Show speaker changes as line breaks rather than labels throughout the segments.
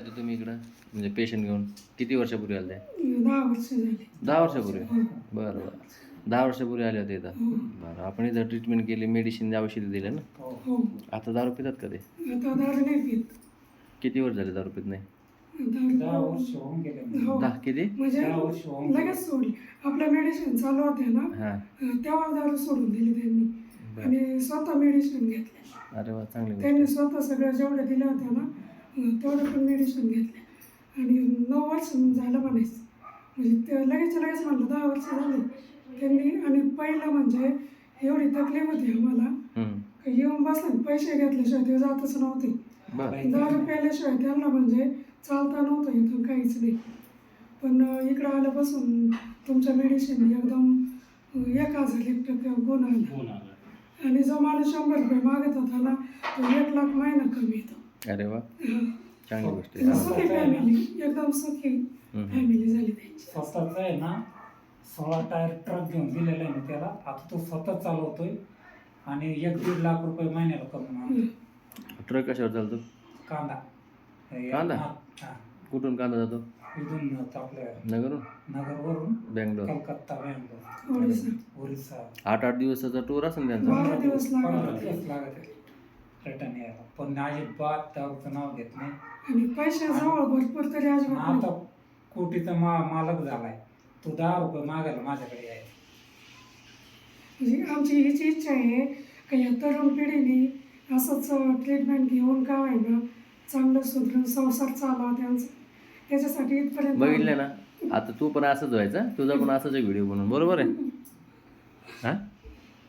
होते तुम्ही इकडं म्हणजे पेशंट घेऊन किती वर्षापूर्वी आले?
10 वर्ष झाली.
10 वर्षापूर्वी?
हो.
बरं बरं. 10 वर्षापूर्वी आले होते इथं.
हो.
बरं आपण इथं ट्रीटमेंट केली, मेडिसिन औषधं दिले ना?
हो.
आता दारू पितात का ते?
आता दारू नाही पीत.
किती वर्ष झाले दारू पित नाही?
दारू
10 वर्ष होऊन गेले.
हो.
10 किती?
म्हणजे
10 वर्ष होऊन गेले.
लगेच सोडली. आपलं मेडिसिन चालू होते ना
हां.
तेव्हा दारू सोडून दिली त्यांनी
बरं.
आणि स्वतः मेडिसिन घेतले.
अरे वा चांगली गोष्ट.
त्यांनी स्वतः सगळ्या जेवढ्या दिल्या होत्या ना तेवढं पण मेडिसिन घेतले आणि 9 वर्ष झालं म्हणायचं. म्हणजे ते लगेच म्हणलं 10 वर्ष झाली त्यांनी. आणि पहिलं म्हणजे एवढी तकलीफ होती आम्हाला
हम्म.
की येऊन बसले पैसे घेतल्याशिवाय ते जातच नव्हते.
बरं.
दारू प्यायल्याशिवाय त्यांना म्हणजे चालता नव्हतं इथं काहीच नाही. पण इकडं आल्यापासून तुमच्या मेडिसिन एकदम 1000% गुण आला. आणि जो माणूस 100 रुपये मागत होता ना तो 1 लाख महिना कमी येतो.
अरे वा चांगली गोष्ट
आणि
आहे.
सुखी फॅमिली एकदम सुखी फॅमिली झाली त्यांची.
स्वतःच आहे ना 16 टायर ट्रक घेऊन दिलेला आहे मी त्याला. आता तो स्वतः चालवतोय आणि 1-1.5 लाख रुपये महिन्याला कमवून
ट्रक कशावर चालतो?
कांदा.
कांदा?
हा.
कुठून कांदा जातो?
इथून आपल्या
नगरून?
नगरवरून
बँगलोर?
कलकत्ता, बँगलोर,
ओडिसा.
ओरिसा.
8-8 दिवसाचा टूर असेल त्यांचा?
12 दिवस
15
लागले
दिवस लागत आहे रिटर्न यायला. पण अजिबात दारूचं नाव घेत नाही.
आणि पैसे जवळ भरपूर तरी
आणि
अजिबात
आता
नाही.
कोटीचा मालक झालाय तो 10 रुपये मागायला माझ्याकडे यायचा.
म्हणजे आमची हीच इच्छा आहे की या तरुण पिढीने असंच ट्रीटमेंट घेऊन का व्हायना चांगलं सुधरून संसार चालावा त्यांचा. त्याच्यासाठी इथपर्यंत
बघितलं ना आता तू पण असंच व्हायचं, तुझा पण असाच एक व्हिडिओ बनवून, बरोबर आहे? हां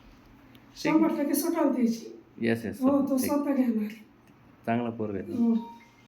100% सुटाल द्यायची.
येस येस
हो तो स्वतः घेणार.
चांगला पोरगा आहे.
हो.